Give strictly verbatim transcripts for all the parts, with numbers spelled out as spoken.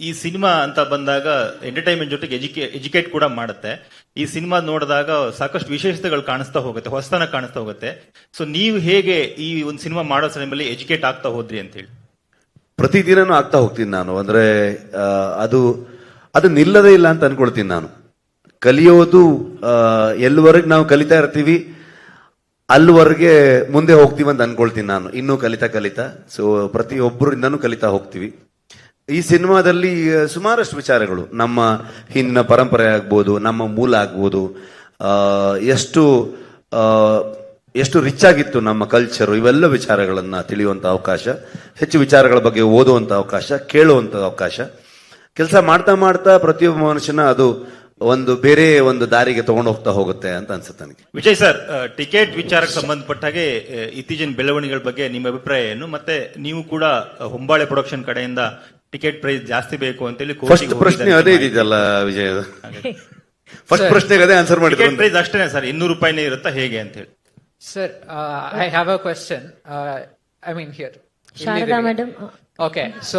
ಈ ಸಿನಿಮಾ ಅಂತ ಬಂದಾಗ ಎಂಟರ್ಟೈನ್ಮೆಂಟ್ ಜೊತೆಗೆ ಎಜುಕೇ ಎಜುಕೇಟ್ ಕೂಡ ಮಾಡುತ್ತೆ. ಈ ಸಿನಿಮಾ ನೋಡಿದಾಗ ಸಾಕಷ್ಟು ವಿಶೇಷತೆಗಳು ಕಾಣಿಸ್ತಾ ಹೋಗುತ್ತೆ, ಹೊಸತನ ಕಾಣಿಸ್ತಾ ಹೋಗುತ್ತೆ. ಸೊ ನೀವು ಹೇಗೆ ಈ ಒಂದು ಸಿನಿಮಾ ಮಾಡೋ ಸಮಯದಲ್ಲಿ ಎಜುಕೇಟ್ ಆಗ್ತಾ ಹೋದ್ರಿ ಅಂತ ಹೇಳಿ? ಪ್ರತಿದಿನನೂ ಆಗ್ತಾ ಹೋಗ್ತೀನಿ ನಾನು. ಅಂದ್ರೆ ಅದು ಅದು ನಿಲ್ಲದೇ ಇಲ್ಲ ಅಂತ ಅನ್ಕೊಳ್ತೀನಿ ನಾನು. ಕಲಿಯೋದು ಎಲ್ಲಿವರೆಗೆ ನಾವು ಕಲಿತಾ ಇರ್ತೀವಿ ಅಲ್ಲಿವರೆಗೆ ಮುಂದೆ ಹೋಗ್ತೀವಿ ಅಂತ ಅನ್ಕೊಳ್ತೀನಿ ನಾನು. ಇನ್ನೂ ಕಲಿತಾ ಕಲಿತಾ ಸೊ ಪ್ರತಿಯೊಬ್ಬರಿಂದನೂ ಕಲಿತಾ ಹೋಗ್ತೀವಿ. ಈ ಸಿನಿಮಾದಲ್ಲಿ ಸುಮಾರಷ್ಟು ವಿಚಾರಗಳು, ನಮ್ಮ ಹಿಂದಿನ ಪರಂಪರೆ ಆಗ್ಬೋದು, ನಮ್ಮ ಮೂಲ ಆಗ್ಬೋದು, ಎಷ್ಟು ಎಷ್ಟು ರಿಚ್ ಆಗಿತ್ತು ನಮ್ಮ ಕಲ್ಚರು, ಇವೆಲ್ಲ ವಿಚಾರಗಳನ್ನ ತಿಳಿಯುವಂತ ಅವಕಾಶ, ಹೆಚ್ಚು ವಿಚಾರಗಳ ಬಗ್ಗೆ ಓದುವಂತ ಅವಕಾಶ, ಕೇಳುವಂತ ಅವಕಾಶ. ಕೆಲಸ ಮಾಡ್ತಾ ಮಾಡ್ತಾ ಪ್ರತಿಯೊಬ್ಬ ಮನುಷ್ಯನ ಅದು ಒಂದು ಬೇರೆ ಒಂದು ದಾರಿಗೆ ತಗೊಂಡು ಹೋಗ್ತಾ ಹೋಗುತ್ತೆ ಅಂತ ಅನ್ಸುತ್ತೆ ನನಗೆ. ವಿಜಯ್ ಸರ್, ಟಿಕೆಟ್ ವಿಚಾರಕ್ಕೆ ಸಂಬಂಧಪಟ್ಟ ಹಾಗೆ ಇತ್ತೀಚಿನ ಬೆಳವಣಿಗೆಗಳ ಬಗ್ಗೆ ನಿಮ್ಮ ಅಭಿಪ್ರಾಯ ಏನು? ಮತ್ತೆ ನೀವು ಕೂಡ ಹೊಂಬಾಳೆ ಪ್ರೊಡಕ್ಷನ್ ಕಡೆಯಿಂದ ಟಿಕೆಟ್ ಪ್ರೈಸ್ ಜಾಸ್ತಿ ಬೇಕು ಅಂತ ಹೇಳಿ ಫಸ್ಟ್ ಪ್ರಶ್ನೆ ಅದೇ ಇದೆಯಲ್ಲ ವಿಜಯ್, ಫಸ್ಟ್ ಪ್ರಶ್ನೆಗೆ ಅದೇ ಆನ್ಸರ್ ಮಾಡಿ. ಟಿಕೆಟ್ ಪ್ರೈಸ್ ಅಷ್ಟೇನೆ ಸರ್, ಇನ್ನೂರು ರೂಪಾಯಿನೇ ಇರುತ್ತಾ ಹೇಗೆ ಅಂತ ಹೇಳಿ? Sir, I have a question. I mean here Sharada madam. Okay, so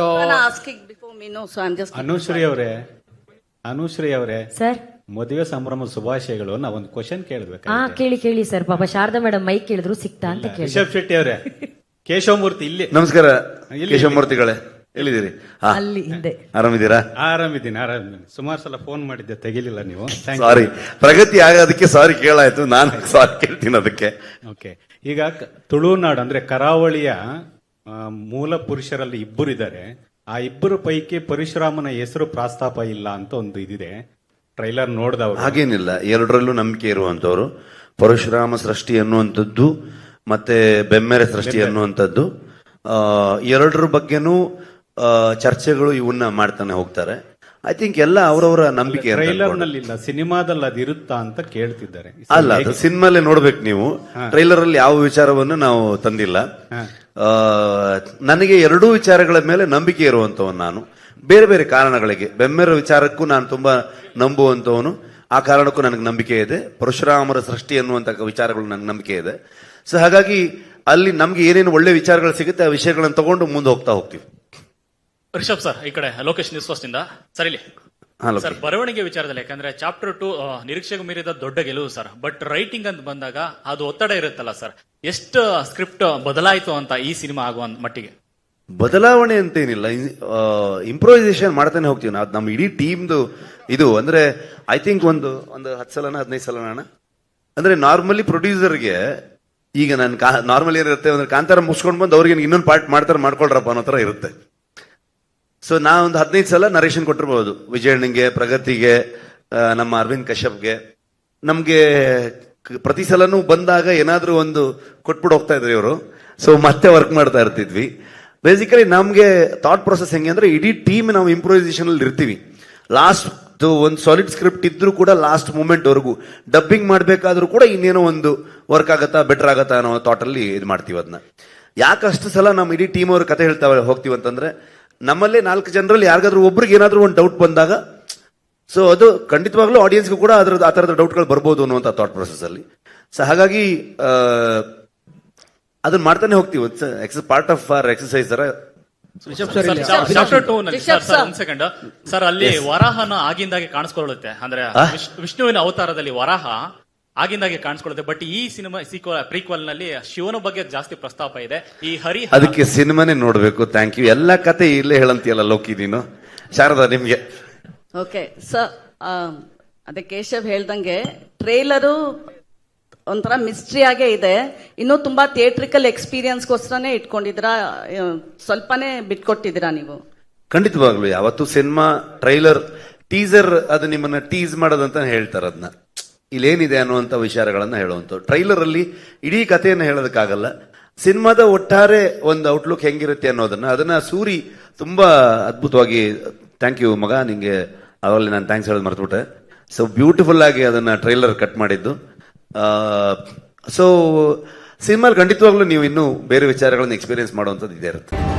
Anushree ಅವರೇ ಅನುಶ್ರೀ ಅವರೇ ಸರ್, ಮದುವೆ ಸಂಭ್ರಮ ಶುಭಾಶಯಗಳು. ನಾವೊಂದು ಕ್ವಶನ್ ಕೇಳಬೇಕು. ಹಾ ಕೇಳಿ ಕೇಳಿ ಸರ್. ಪಾಪ ಶಾರದಾ ಮೇಡಮ್ ಮೈಕ್ ಕೇಳಿದ್ರು ಸಿಕ್ತಾ ಅಂತ ಕೇಳಿ. ರಿಷಬ್ ಶೆಟ್ಟಿ ಅವರೇ, ಕೇಶವಮೂರ್ತಿ ಇಲ್ಲಿ. ನಮಸ್ಕಾರ ಕೇಶವಮೂರ್ತಿಗಳೇ, ಎಲ್ಲಿದ್ದೀರಿ? ಅಲ್ಲಿ ಹಿಂದೆ. ಆರಾಮಿದ್ದೀರಾ? ಆರಾಮಿದ್ದೀನಿ ಆರಾಮಿದ್ದೀನಿ. ಸುಮಾರು ಸಲ ಫೋನ್ ಮಾಡಿದ್ದೆ, ತೆಗಿಲಿಲ್ಲ ನೀವು. ಸಾರಿ, ಪ್ರಗತಿ ಆಗೋದಕ್ಕೆ ಸಾರಿ ಕೇಳಾಯ್ತು, ನಾನು ಸಾರಿ ಕೇಳ್ತೀನಿ ಅದಕ್ಕೆ. ಓಕೆ, ಈಗ ತುಳುನಾಡು ಅಂದ್ರೆ ಕರಾವಳಿಯ ಮೂಲ ಪುರುಷರಲ್ಲಿ ಇಬ್ಬರು ಇದ್ದಾರೆ. ಆ ಇಬ್ಬರು ಪೈಕಿ ಪರಶುರಾಮನ ಹೆಸರು ಪ್ರಸ್ತಾಪ ಇಲ್ಲ ಅಂತ ಒಂದು ಇದಿದೆ. ಟ್ರೈಲರ್ ನೋಡಿದವರು. ಹಾಗೇನಿಲ್ಲ, ಎರಡರಲ್ಲೂ ನಂಬಿಕೆ ಇರುವಂತವ್ರು. ಪರಶುರಾಮ ಸೃಷ್ಟಿ ಅನ್ನುವಂಥದ್ದು ಮತ್ತೆ ಬೆಮ್ಮೆರೆ ಸೃಷ್ಟಿ ಅನ್ನುವಂಥದ್ದು, ಎರಡರ ಬಗ್ಗೆನೂ ಚರ್ಚೆಗಳು ಇವನ್ನ ಮಾಡ್ತಾನೆ ಹೋಗ್ತಾರೆ. ಐ ಥಿಂಕ್ ಎಲ್ಲ ಅವರವರ ನಂಬಿಕೆ. ಟ್ರೈಲರ್ ನಲ್ಲಿ ಇಲ್ಲ, ಸಿನಿಮಾದಲ್ಲಿ ಅದು ಇರುತ್ತಾ ಅಂತ ಕೇಳ್ತಿದ್ದಾರೆ. ಅಲ್ಲ, ಅದು ಸಿನಿಮಾಲೇ ನೋಡ್ಬೇಕು ನೀವು. ಟ್ರೈಲರ್ ಅಲ್ಲಿ ಯಾವ ವಿಚಾರವನ್ನು ನಾವು ತಂದಿಲ್ಲ. ನನಗೆ ಎರಡೂ ವಿಚಾರಗಳ ಮೇಲೆ ನಂಬಿಕೆ ಇರುವಂತವನು ನಾನು. ಬೇರೆ ಬೇರೆ ಕಾರಣಗಳಿಗೆ, ಬೆಮ್ಮೆರ ವಿಚಾರಕ್ಕೂ ನಾನು ತುಂಬಾ ನಂಬುವಂತವನು, ಆ ಕಾರಣಕ್ಕೂ ನನಗೆ ನಂಬಿಕೆ ಇದೆ. ಪರಶುರಾಮರ ಸೃಷ್ಟಿ ಅನ್ನುವಂತ ವಿಚಾರಗಳು ನನಗೆ ನಂಬಿಕೆ ಇದೆ. ಸೊ ಹಾಗಾಗಿ ಅಲ್ಲಿ ನಮ್ಗೆ ಏನೇನು ಒಳ್ಳೆ ವಿಚಾರಗಳು ಸಿಗುತ್ತೆ ಆ ವಿಷಯಗಳನ್ನು ತಗೊಂಡು ಮುಂದೆ ಹೋಗ್ತಾ ಹೋಗ್ತೀವಿ. ರಿಷಬ್ ಸರ್, ಈ ಕಡೆ ಲೋಕೇಶ್ ನ್ಯೂಸ್ ಫಸ್ಟ್ ಇಂದ ಸರ್. ಇಲ್ಲಿ ಸರ್, ಬರವಣಿಗೆ ವಿಚಾರದಲ್ಲಿ, ಯಾಕಂದ್ರೆ ಚಾಪ್ಟರ್ ಟು ನಿರೀಕ್ಷೆಗೂ ಮೀರಿದ ದೊಡ್ಡ ಗೆಲುವು ಸರ್. ಬಟ್ ರೈಟಿಂಗ್ ಅಂತ ಬಂದಾಗ ಅದು ಒತ್ತಡ ಇರುತ್ತಲ್ಲ ಸರ್, ಎಷ್ಟು ಸ್ಕ್ರಿಪ್ಟ್ ಬದಲಾಯಿತು ಅಂತ ಈ ಸಿನಿಮಾ ಆಗುವ ಮಟ್ಟಿಗೆ? ಬದಲಾವಣೆ ಅಂತೇನಿಲ್ಲ, ಇಂಪ್ರೂವೈಸೇಷನ್ ಮಾಡ್ತಾನೆ ಹೋಗ್ತೀವಿ ನಾವು. ನಮ್ಮ ಇಡೀ ಟೀಮ್ದು ಇದು ಅಂದ್ರೆ ಐ ಥಿಂಕ್ ಒಂದು ಒಂದು ಹತ್ತು ಸಲನ ಹದಿನೈದು ಸಲನ ಅಣ್ಣ. ಅಂದ್ರೆ ನಾರ್ಮಲಿ ಪ್ರೊಡ್ಯೂಸರ್ಗೆ ಈಗ ನಾನು ನಾರ್ಮಲಿ ಏನಿರುತ್ತೆ ಅಂದ್ರೆ ಕಾಂತಾರ ಮುಗಿಸ್ಕೊಂಡು ಬಂದು ಅವ್ರಿಗೆ ಇನ್ನೊಂದು ಪಾರ್ಟ್ ಮಾಡ್ತಾರೆ, ಮಾಡ್ಕೊಳ್ರಪ್ಪ ಅನ್ನೋ ತರ ಇರುತ್ತೆ. ಸೊ ನಾ ಒಂದು ಹದಿನೈದು ಸಲ ನರೇಶನ್ ಕೊಟ್ಟಿರ್ಬೋದು, ವಿಜಯಣ್ಣಂಗೆ, ಪ್ರಗತಿಗೆ, ನಮ್ಮ ಅರವಿಂದ್ ಕಶ್ಯಪ್ಗೆ. ನಮ್ಗೆ ಪ್ರತಿ ಸಲನೂ ಬಂದಾಗ ಏನಾದ್ರೂ ಒಂದು ಕೊಟ್ಬಿಟ್ಟು ಹೋಗ್ತಾ ಇದ್ರಿ ಇವರು. ಸೊ ಮತ್ತೆ ವರ್ಕ್ ಮಾಡ್ತಾ ಇರ್ತಿದ್ವಿ. ಬೇಸಿಕಲಿ ನಮ್ಗೆ ಥಾಟ್ ಪ್ರೊಸೆಸ್ ಹೆಂಗೆ ಅಂದ್ರೆ ಇಡೀ ಟೀಮ್ ನಾವು ಇಂಪ್ರೂವೈಸೇಷನ್ ಅಲ್ಲಿ ಇರ್ತೀವಿ. ಲಾಸ್ಟ್ ಒಂದು ಸಾಲಿಡ್ ಸ್ಕ್ರಿಪ್ಟ್ ಇದ್ರೂ ಕೂಡ ಲಾಸ್ಟ್ ಮೂಮೆಂಟ್ ವರೆಗೂ ಡಬ್ಬಿಂಗ್ ಮಾಡ್ಬೇಕಾದ್ರೂ ಕೂಡ ಇನ್ನೇನೋ ಒಂದು ವರ್ಕ್ ಆಗತ್ತಾ, ಬೆಟರ್ ಆಗತ್ತಾ ಅನ್ನೋ ಥಾಟ್ ಅಲ್ಲಿ ಇದು ಮಾಡ್ತೀವಿ. ಅದನ್ನ ಯಾಕಷ್ಟು ಸಲ ನಮ್ಮ ಇಡೀ ಟೀಮ್ ಅವ್ರ ಕತೆ ಹೇಳ್ತಾ ಹೋಗ್ತೀವಿ ಅಂತಂದ್ರೆ, ನಮ್ಮಲ್ಲೇ ನಾಲ್ಕು ಜನರಲ್ಲಿ ಯಾರಿಗಾದ್ರೂ ಒಬ್ರಿಗೆ ಏನಾದ್ರೂ ಒಂದು ಡೌಟ್ ಬಂದಾಗ, ಸೊ ಅದು ಖಂಡಿತವಾಗ್ಲೂ ಆಡಿಯನ್ಸ್ಗೂ ಕೂಡ ಅದ್ರ ಆ ತರದ ಡೌಟ್ಗಳು ಬರ್ಬೋದು ಅನ್ನುವಂಥ ಥಾಟ್ ಪ್ರೊಸೆಸ್ ಅಲ್ಲಿ. ಸೊ ಹಾಗಾಗಿ ಅದನ್ನ ಮಾಡ್ತಾನೆ ಹೋಗ್ತೀವಿ. It's part of our exercise ತರ. ಚಾಪ್ಟರ್ ಟೂ ನಲ್ಲಿ ಒಂದ್ ಸೆಕೆಂಡ್ ಸರ್, ಅಲ್ಲಿ ವರಾಹನ ಆಗಿಂದಾಗೆ ಕಾಣಿಸ್ಕೊಳ್ಳುತ್ತೆ. ಅಂದ್ರೆ ವಿಷ್ಣುವಿನ ಅವತಾರದಲ್ಲಿ ವರಾಹ ಆಗಿಂದಾಗೆ ಕಾಣಿಸ್ಕೊಳ್ಳುತ್ತೆ. ಬಟ್ ಈ ಸಿನಿಮಾ ಸೀಕ್ವಲ್ ಪ್ರೀಕ್ವಲ್ ನಲ್ಲಿ ಶಿವನ ಬಗ್ಗೆ ಜಾಸ್ತಿ ಪ್ರಸ್ತಾಪ ಇದೆ. ಈ ಹರಿ ಅದಕ್ಕೆ ಸಿನಿಮಾನೇ ನೋಡ್ಬೇಕು. Thank you. ಎಲ್ಲ ಕತೆ ಇಲ್ಲೇ ಹೇಳಂತೀಯಲ್ಲ ಲೋಕಿ ನೀನು. ಶಾರದಾ, ನಿಮ್ಗೆ? ಓಕೆ ಸರ್, ಅದೇ ಕೇಶವ್ ಹೇಳ್ದಂಗೆ ಟ್ರೇಲರು ಒಂಥರ ಮಿಸ್ಟ್ರಿ ಆಗೇ ಇದೆ. ಇನ್ನೂ ತುಂಬಾ ಥಿಯೇಟ್ರಿಕಲ್ ಎಕ್ಸ್ಪೀರಿಯನ್ಸ್ಗೋಸ್ಕರನೇ ಇಟ್ಕೊಂಡಿದ್ದೀರಾ, ಸ್ವಲ್ಪನೇ ಬಿಟ್ಕೊಟ್ಟಿದ್ದೀರಾ ನೀವು? ಖಂಡಿತವಾಗ್ಲು ಯಾವತ್ತು ಸಿನಿಮಾ ಟ್ರೈಲರ್ ಟೀಸರ್ ಅದು ನಿಮ್ಮನ್ನ ಟೀಸ್ ಮಾಡೋದಂತ ಹೇಳ್ತಾರೆ. ಅದನ್ನ ಇಲ್ಲೇನಿದೆ ಅನ್ನುವಂಥ ವಿಚಾರಗಳನ್ನ ಹೇಳುವಂತ ಟ್ರೈಲರ್ ಅಲ್ಲಿ ಇಡೀ ಕಥೆಯನ್ನು ಹೇಳೋದಕ್ಕಾಗಲ್ಲ. ಸಿನಿಮಾದ ಒಟ್ಟಾರೆ ಒಂದು ಔಟ್ಲುಕ್ ಹೆಂಗಿರುತ್ತೆ ಅನ್ನೋದನ್ನ ಅದನ್ನ ಸೂರಿ ತುಂಬಾ ಅದ್ಭುತವಾಗಿ, ಥ್ಯಾಂಕ್ ಯು ಮಗ, ನಿಂಗೆ ಅವರಲ್ಲಿ ನಾನು ಥ್ಯಾಂಕ್ಸ್ ಹೇಳೋದು ಮರ್ತ್ಬಿಟ್ಟೆ. ಸೊ ಬ್ಯೂಟಿಫುಲ್ ಆಗಿ ಅದನ್ನ ಟ್ರೈಲರ್ ಕಟ್ ಮಾಡಿದ್ದು. ಸೊ ಸಿನಿಮಾಲ್ ಖಂಡಿತವಾಗ್ಲೂ ನೀವು ಇನ್ನೂ ಬೇರೆ ವಿಚಾರಗಳನ್ನ ಎಕ್ಸ್ಪೀರಿಯನ್ಸ್ ಮಾಡುವಂಥದ್ದು ಇದೇ ಇರುತ್ತೆ.